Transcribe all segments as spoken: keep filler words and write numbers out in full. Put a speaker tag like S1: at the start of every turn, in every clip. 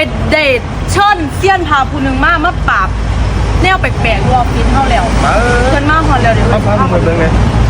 S1: เดทเชิญเซียนพาผู้หนึ่งมามาปราบแนวแปลกๆรอฟินเท่าแล้วเพิ่นมาหอนแล้วเดี๋ยว
S2: เอาฟังเหมือนเดิมเลย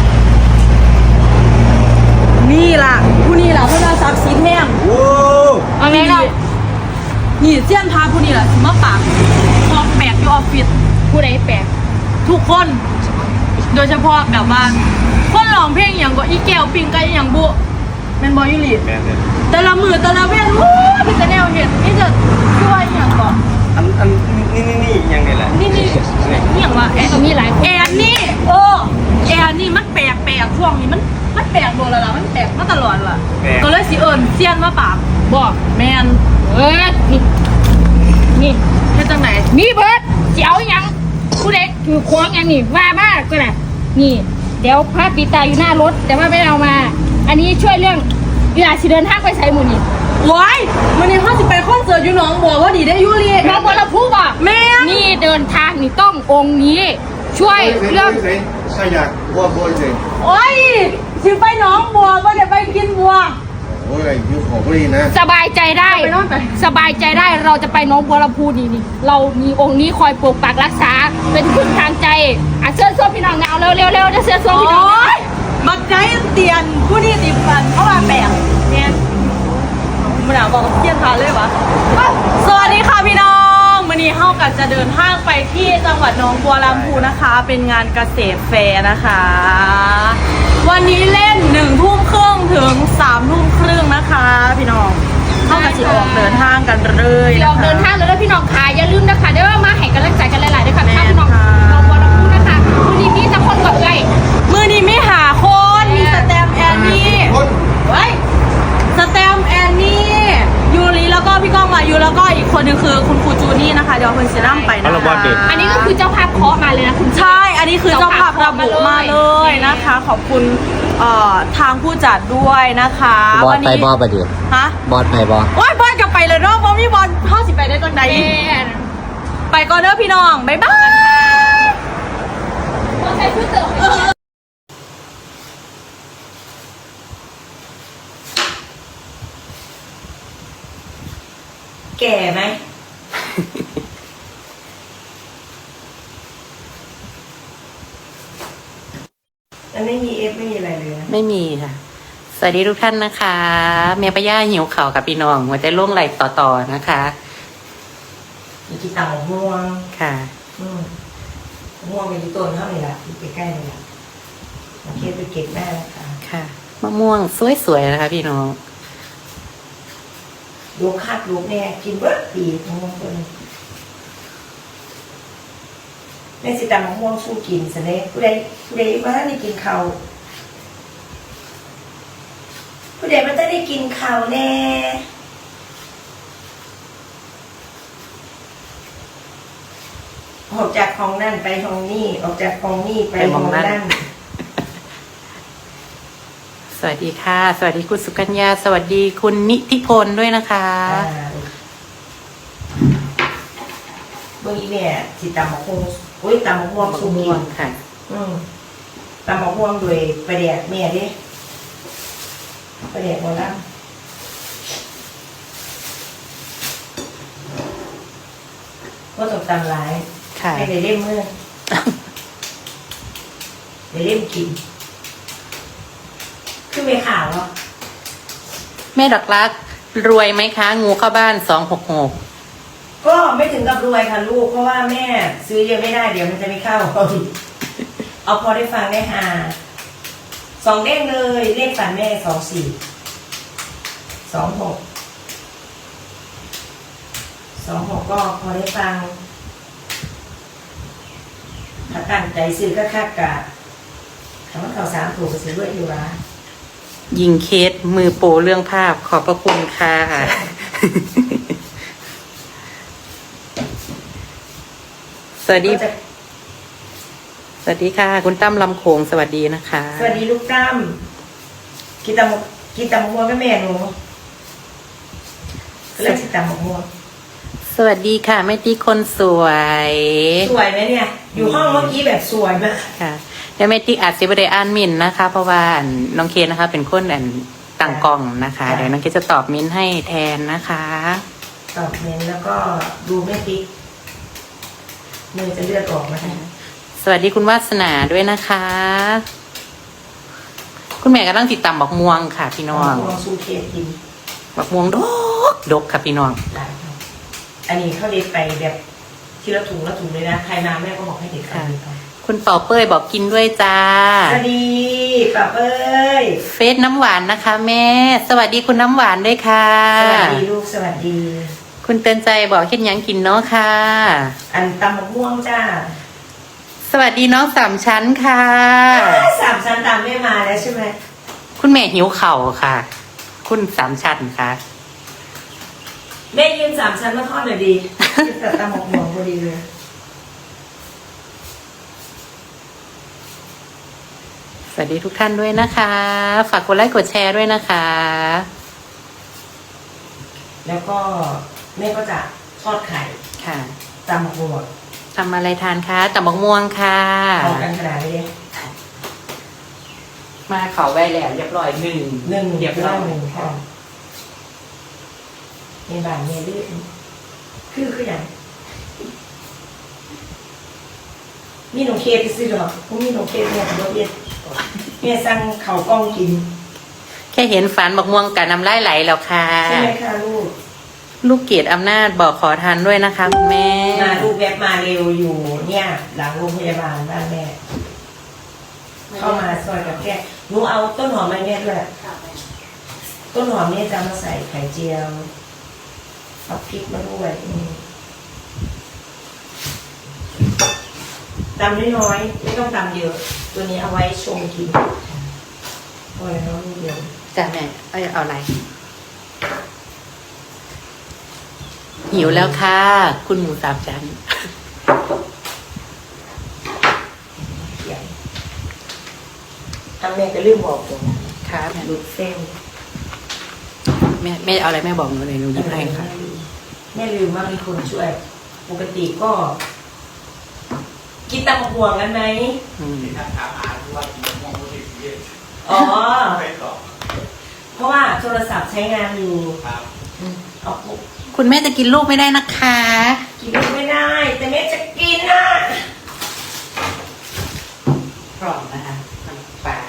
S1: นี่ล่ะผู้นี่ล่ะเพิ่นมาซักซีแห้ง
S2: โอ้
S1: เอาไงเรานี่เซียนพาผู้นี่ล่ะมาปราบของแปลกอยู่ออฟฟิศผู้ใดแปลกทุกคนโดยเฉพาะแบบว่าคนร้องเพลงอย่างก็อีแก้วปิงไก่อย่างบุแม่นบ่อยู่หลี
S2: แม่เนี่ย
S1: แต่ละมือแต่ละเว้นวู้มีแต่แนวเห็ดนี่จะช่วยอย่างก่อน
S2: อันอันนี่นี่นี่ยังไงล่ะ
S1: นี่นี่อย่างว่าแอนมีหลายแอนนี่เออแอนนี่มันแปลกแปลกช่วงนี้มันมันแปลกโดนแล้วล่ะมันแปลกมาตลอดล่ะก็เลยสิเอิญเซียนมาปากบอกแมนเอ้ยนี่นี่แค่จังไหน
S3: มีเบิร์ดเจียวยังผู้เด็กถือควงอย่างนี้ว่ามากก็แหละนี่เดี๋ยวพระปีตาอยู่หน้ารถแต่ว่าไม่เอามา อันนี้ช่วยเรื่องเวลาสิเดินทางไปใส่หมูนี่
S1: ว้ายวันนี้ห้าสิบไปคอนเสิร์ตอยู่หนองบัวว่าดีได้ยูรี
S3: น้องบัวลำพูบอก
S1: แม่
S3: นี่เดินทางนี่ต้ององค์นี้ ช่วยเรื่อง
S2: ใช่อยากบัวบัวจริง
S1: โอ้ยสิไปหนองบัวก็เดี๋ยวไปกินบัว
S2: โอ้ยยุคของพอดีนะ
S3: สบายใจได้
S1: ไปนอนไป
S3: สบายใจได้เราจะไปน้องบัวลำพูนี่นี่เรามีองค์นี้คอยปกปักรักษาเป็นพึ่งทางใจอ่ะเสื้อส้มพี่น้องเงาเร็วเร็วเร็วจะเสื้อส้ม
S1: โอ้
S3: พี่น้องเงาย
S1: มักใจเตียนผู้นี่ติดฟันเพราะว่าแปลกเนี่ยมันหนาวบอกเที่ยงทานเลยวะสวัสดีค่ะพี่น้องวันนี้เฮากันจะเดินทางไปที่จังหวัดหนองบัวลำพูนะคะ เป็นงานเกษตรแฟร์นะคะ วันนี้เล่นหนึ่งทุ่มครึ่งถึงสามทุ่มครึ่งนะคะ พี่น้องเข้ากันสิออกเดินทางกันเลย
S3: พี่น้
S1: นะ
S3: อง
S1: คะ
S3: เดินทางเลยแล้วพี่น้องขายอย่าลืมนะคะเดี๋ยวมาให้กำลังใจกันหลายๆด้วยค่ะ
S1: แม่
S3: ถ้าพี่น้อง
S1: ค่ะ
S3: น้องบัวลำพูนะคะวันนี้มีสักคนกับเอ้ย
S1: มือนี้ไม่หาคนมีสแตมป์แอนนี่ไว้สแตมป์แอนนี่ยูริแล้วก็พี่ก้องมายูแล้วก็อีกคนหนึงคือคุณครูจูนี่นะคะเดี๋ยวเพิ่นเซรั่มไปนะคะ
S3: อันนี้ก็คือเจ้าภาพเคาะมาเลยนะคุณ
S1: ใช่ อันนี้คือเจ้าภาพระบุมาเลยนะคะ ขอบคุณเอ่อทางผู้จัดด้วยนะคะ
S4: บอ
S1: วั
S4: สไป
S1: นี้
S4: บอสไปดิ
S1: ฮะ
S4: บอสไปบอส
S1: โอ้ยบอลกลับไปเลยเนาะบอลพี่บอลเข้าสิไปได้จังใด
S3: แม่
S1: ไปก่อนเด้อพี่น้องบ๊ายบาย
S3: ใส่ชุดเติม
S1: แก่ไหม
S5: มันไม่มีเอฟไม่มีอะไรเลยนะ
S6: ไม่มีค่ะ สวัสดีทุกท่านนะคะ เมียป้าย่าหิวเข่าวกับพี่น้องหัวใจล่วงไหลต่อๆนะคะ
S5: มีกีตาร์ม่วง
S6: ค่ะ
S5: อืมม่วงมีต้นเท่านี้แหละอยู่ใกล้ๆนี่แหละโอเคไปเก็บแม่นะคะ
S6: ค่ะมะม่วงสวยๆนะคะ พี่น้อง
S5: ลูกคาดลูกเนี่ยกินเบิร์ดปีมะม่วงต้นแม่สิตามะม่วงสู้กินสเน่ผู้ใดผู้ใดมาได้กินข้าวผู้ใดมันจะได้กินข้าวแน่ออกจากห้องนั่นไปห้องนี่ออกจากห้องนี่ไปห้องนั่น
S6: สวัสดีค่ะ สวัสดีคุณสุกัญญา สวัสดีคุณนิติพลด้วยนะคะ
S5: เมื่อกี้เนี่ยสิตำมะม่วงอุ้ยตำมะม่วงสุกิน
S6: ค่ะ
S5: อืมตำมะม่วงโดยประเดียกแม่ดิประเดียกโบราณก็ต้องตำหลาย
S6: ค่ะ
S5: ให้ได้เล่มมือได้เล่มกินคือไม่ข่าวเหรอ
S6: แม่ดอกรัก รวยไหมคะ งูเข้าบ้านสองหกหก
S5: ก็ไม่ถึงกับรวยค่ะลูกเพราะว่าแม่ซื้อเยอะไม่ได้เดี๋ยวมันจะไม่เข้า เอาพอได้ฟังได้หาสองเลขเลยเลขฝันแม่สองสี่สองหกสองหกก็พอได้ฟังถ้าตั้งใจซื้อก็คาดกะถามว่าเขาสามถูกก็ซื้อด้วยอยู่ละ
S6: ยิงเคสมือโปรเรื่องภาพขอบพระคุณค่ะ สวัสดี
S5: ก็จะ
S6: สวัสดีค่ะ คุณตั้มลำโขงสวัสดีนะคะ
S5: สวัสดีลูกตั้มกินตำมะกินตำมะม่วงกับแม่หนูก็เลยกินตำมะม่วง
S6: สวัสดีค่ะแม่ตีคนสวย
S5: สวยไหมเนี่ย อยู่ห้องเมื่อกี้แบบสวยมาก
S6: ค่ะเดี๋ยวแม่ตีอัดซิบเดอ่านมินนะคะ เพราะว่าน้องเคนนะคะ เป็นคนอันต่างกล่องนะคะ เดี๋ยวน้องเคนจะตอบมินให้แทนนะคะ
S5: ตอบเมนแล้วก็ดูไม่พลิกมือจะเลือดออกมา
S6: สวัสดีคุณวาสนาด้วยนะคะ คุณแม่กำลังติดตามบักม่วงค่ะ พี่น้อง
S5: ลองซูเคกิน
S6: บักม่วงดกดกค่ะพี่น้อง
S5: ได้ครับอันนี้เขาเด็ดไปแบบทีละถุงละถุงเลยนะใครมาแม่ก็บอกให้เด็ดกันเลยค่ะ
S6: คุณเป่าเป้ยบอกกินด้วยจ้า
S5: สวัสดีป้าเอ้ย
S6: เฟซน้ำหวานนะคะ แม่ สวัสดีคุณน้ำหวานด้วยค่ะ
S5: สวัสดีลูกสวัสดี
S6: คุณเตือนใจบอกเห็นยังกินเนาะค่ะ
S5: อันตำมะม่วงจ้า
S6: สวัสดีน้องสามชั้นค่ะ
S5: สามชั้นตามแม่มาแล้วใช่ไหม
S6: คุณแม่หิวเข่าค่ะ คุณสามชั้นค่ะ
S5: แม่ยืนสามชั้นมาทอดหน่อยดีแต่ตำมะม่วงพอดีเลย
S6: สวัสดีทุกท่านด้วยนะคะ ฝากกดไลค์กดแชร์ด้วยนะคะ
S5: แล้วก็แม่ก็จะทอดไข่
S6: ค่ะ
S5: ตำมะม่วง
S6: ทำอะไรทานคะตำบักม่วงค่ะ
S5: เอากันขนาดนี้เลย
S6: มาเขาไว้แล้วเรียบร้อยหนึ่ง
S5: หนึ่ง
S6: เรียบร้อย
S5: หนึ่งค่ะในบ้านเนี่ยดื้อคือคืออย่างมีหนูเคสซื้อหรอพวกมีหนูเคสเนี่ยรถเย็นเนี่ยสั่งเขาวกล้องกิน
S6: แค่เห็นฝันบักม่วงกับน้ำลายไหลแล้วค่ะ
S5: ใช่ไหมคะลูก
S6: ลูกเกดอำนาจบอกขอทานด้วยนะคะคุณแม่
S5: มาลูกแวบมาเร็วอยู่เนี่ย หลังโรงพยาบาลบ้านแม่ เข้ามาซอยกับแกหนูเอาต้นหอมมาเนี่ยด้วยต้นหอมเนี่ยจะมาใส่ไข่เจียวเอาพริกมาด้วยอืมตำน้อยๆไม่ต้องตำเยอะ ตัวนี้เอาไว้ชงกินพอแล้วนิดเดียว
S6: จ้ะแม่เอาเอาอะไร หิวแล้วค่ะ คุณหมูสามชั้น
S5: ใหญ่ทำแม่ก็ลืมบอกผม
S6: ค่ะแม่
S5: ดูดเส้น
S6: แม่แม่เอาอะไรแม่บอกหนูเลยหนูหยิบให้ค่ะ
S5: แม่ลืมว่ามีคนช่วย ปกติก็ กินตำบักห่วงกันไหม
S6: อืม
S5: อ๋อ เพราะว่าโทรศัพท์ใช้งานอยู่อืมเอาปุ๊บ
S6: คุณแม่จะกินลูกไม่ได้นะคะ
S5: กินไม่ได้ แต่แม่จะกินนะ
S6: พร้อมนะคะน้ำปลา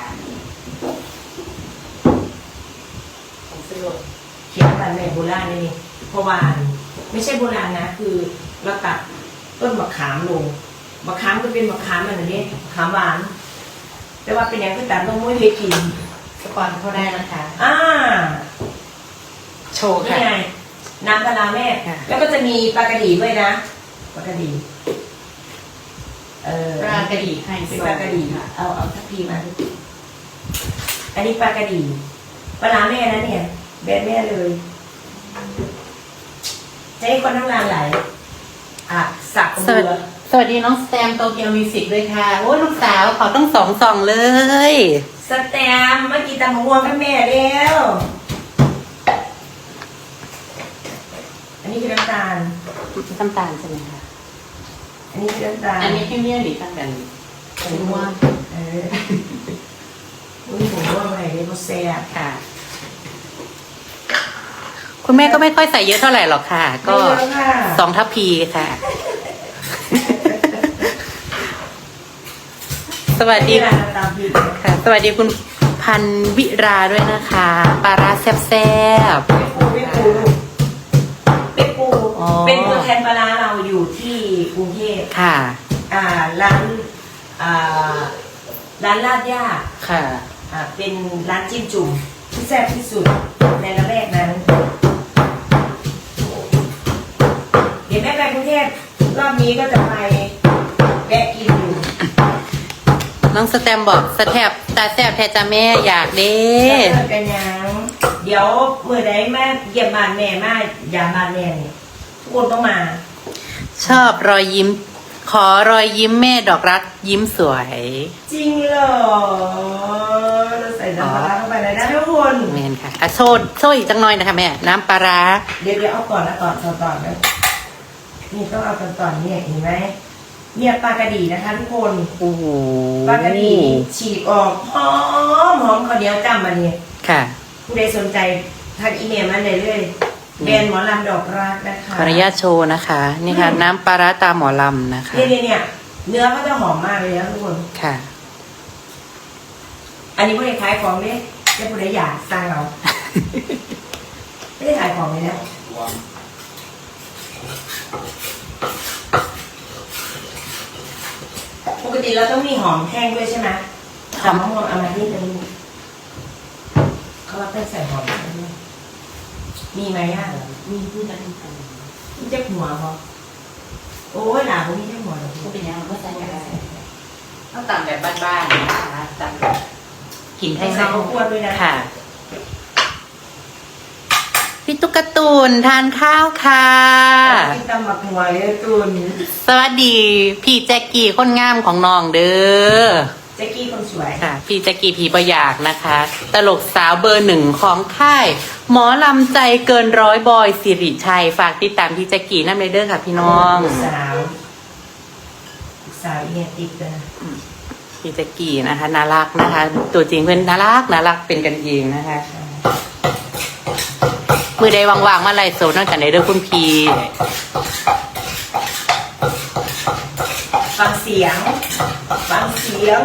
S6: ผมซื้อรถ
S5: เขียนกันแม่โบราณนี่เพราะว่าไม่ใช่โบราณนะ คือเราตัดต้นมะขามลงมะขามก็เป็นมะขามอะไรนี้มะขามหวาน แต่ว่าเป็นอย่างที่ตัดต้องมุ้ยให้กิน
S6: สปอนเข้าได้นะคะ
S5: อ่า
S6: โชว์
S5: นี่
S6: ค่ะ
S5: ไงน้ำปลาร้าแม่
S6: ค่ะ
S5: แล้วก็จะมีปลากระดีด้วยนะปลากระดีเออ
S6: ปลากระดี่ให้
S5: เป็นปลากระดีเอาเอาทัพพีมาอันนี้ปลากระดีปลาร้าแม่นะเนี่ยแบรนด์แม่เลยจะให้คนทั้งร้านไหลอ่ะสัก
S6: สวัส
S5: เบื
S6: ดี
S5: อ
S6: สวัสดีน้องสแตมโตเกียวมิวสิกด้วยค่ะ โอ้ลูกสาวขอต้องสองสองเลย
S5: สแตมเมื่อกี้ตำมะม่วงกับแม่แล้วอันนี้คือน้ำตาล
S6: น้ำตาลใช่ไหมคะ
S5: อันนี้คือน้ำตาล
S6: อันนี้พี่เมี่ยหรือตั้งแต่ผมว่า
S5: เอออุ้ยผมว่าอะไรเนี่ยโมเซ่บ
S6: ค่ะ คุณแม่ก็ไม่ค่อยใส่เยอะเท่าไหร่หรอกค่ะ ก็
S5: ไม่เยอะค่ะ
S6: สองทัพพีค่ะ สวัสดี
S5: นี่แหละตามพี่
S6: ค่ะ สวัสดีคุณพันวิราด้วยนะคะปลาร้าแซ่บ
S5: ไม่ปูไม่ปูไม่ปู
S6: อ๋อ
S5: เป็นตัวแทนปลาร้าเราอยู่ที่กรุงเทพ
S6: ๆค่ะ
S5: อ่าร้านอ่าร้านลาดย่า
S6: ค่ะ
S5: อ่าเป็นร้านจิ้มจุ่มที่แซ่บที่สุดในละแวกนั้น เดี๋ยวแม่ไปกรุงเทพรอบนี้ก็จะไปแวะกินอยู่
S6: น้องสแตมบอกสแทบตาแซบแทจ้าแม่อยากเด้
S5: เจอกันยังเดี๋ยวเมื่อใดแม่เยี่ยมบ้านแม่มายามบ้านแม่เนี่ยทุกคนต้องมา
S6: ชอบรอยยิ้ม ขอรอยยิ้มแม่ดอกรักยิ้มสวย
S5: จริงเหรอเราใส่น้ำปลาร้าเข้าไปเลยนะทุกคน
S6: แมนค่ะอ่ะโซดโซดอีกจังหน่อยนะคะแม่ น้ำปลาร้า
S5: เดี๋ยวเดี๋ยวเอาก่อนนะก่อนก่อนก่อนนะนี่ต้องเอาก่อนก่อนเนี่ยเห็นไหมเนี่ยปลากระดีนะคะทุกคน
S6: โอ้โห
S5: ปลากระดีฉีกออกหอมหอมข้าวเหนียวจ้ำมาเนี่ย
S6: ค่ะ
S5: ผู้ใดสนใจทักอีเมลมาเลยเลยแบรนด์หมอลำดอกรักนะคะ
S6: ขออนุญาตโชว์นะคะ นี่ค่ะ น้ำปลาร้าตาหมอลำนะคะ
S5: เนี่ยเนี่ยเนี่ยเนื้อก็จะหอมมากเลยนะทุกคน
S6: ค่ะ
S5: อันนี้ผู้ใดขายของเนี่ยจะผู้ใดอยากสั่งเอา ไม่ได้ขายของเลยนะปกติเราต้องมีหอมแห้งด้วยใช่ไหมหอมมะม่วงเอามาที่นึงเขาว่าต้องใส่หอมแห้งด้วยมีไหมอ่ะมีพูดกันมีเจ้าหัวพอโอ้ยหนาผมมีเจ้าหัวเหรอ
S6: ก็เป็นยังไงก็ใส่กันได้ต้องตำแบบบ้านๆนะคะตำแบบกินให้
S5: ใส่
S6: เศร้า
S5: ข้าวคั่วด้วยนะ
S6: ค่ะ พี่ตุ๊กตูนทานข้าวค่ะ
S5: กินตำหมักหัวเลยตุน
S6: สวัสดี พี่แจ็กกี้คนงามของน้องเด้อ
S5: แจ็กกี้คนสวย
S6: ค่ะ พี่แจ็กกี้ผีประหยากนะคะ ตลกสาวเบอร์หนึ่งของค่าย หมอลำใจเกินร้อยบอยสิริชัย ฝากติดตามพี่แจ็กกี้นั่นเลยเด้อค่ะพี่น้อง
S5: ลูกสาวลูกสาวเอียติดเลยนะ
S6: พี่แจ็กกี้นะคะน่ารักนะคะ ตัวจริงเพื่อนน่ารักน่ารักเป็นกันเองนะคะ มือใดว่างๆมาไล่โซนั่นกันในเด้อคุณพี่
S5: ฟังเสียง ฟังเสียง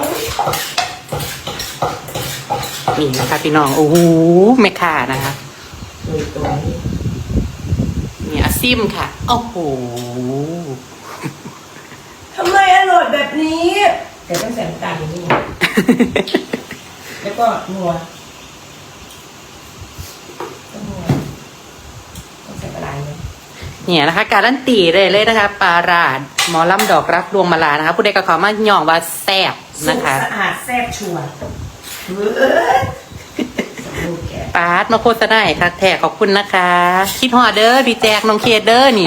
S6: นี่นะคะพี่น้อง โอ้โหแม่ค่านะคะ
S5: ตัวตัวนี้
S6: นี่อาซิมค่ะ โอ้โห
S5: ทำไมอร่อยแบบนี้แต่ต้องใส่น้ำตาลอย่างนี้แล้วก็นัวต้องนัวต้องใส่ปลาไหลเลย
S6: เนี่ยนะคะ การันตีเลยเลยนะคะปลาราดหมอลำดอกรักดวงมาลานะคะ ผู้ใดก็ขอมาย่องว่าแซ่บ
S5: สุ
S6: นะ
S5: ก
S6: คะ
S5: สะอาดแซ่บชัวร์เว้ยสมบูรณ์แก
S6: ปาดมาโฆษณาให้ค่ะแท้ขอบคุณนะคะ คิดฮอดเด้อพี่แจกน้องเคสเด้อนี่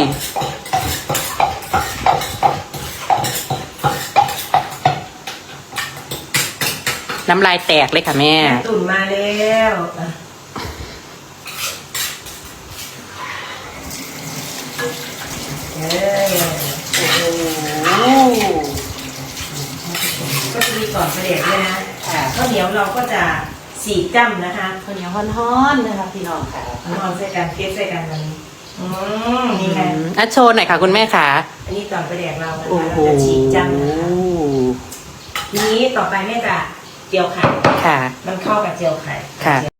S6: น้ำลายแตกเลยค่ะแม่
S5: แม่ตุ่นมาแล้วอ่ะเอ้ยโอ้โหก็จะมีก่อนเสด็จด้วยนะ
S6: ค่ะ
S5: ข้าวเหนียวเราก็จะสีกจ้ำนะคะ
S6: ข้าวเหนียวฮ้อนๆนะคะพี่น้องค่ะ
S5: นอนใส่กันเก็บใส่กันมันอืมนี่แหละ
S6: อ่ะโชว์หน่อยค่ะคุณแม่ค่ะ
S5: อันนี้ก่อนเสด็จเรานะ
S6: โอ้
S5: คะ
S6: โห
S5: เราจะฉีกจ้ำนะคะทีนี้ต่อไปแม่จะเจียวไข่
S6: ค่ะ
S5: มันเข้ากับเจียวไข่
S6: ค่ะ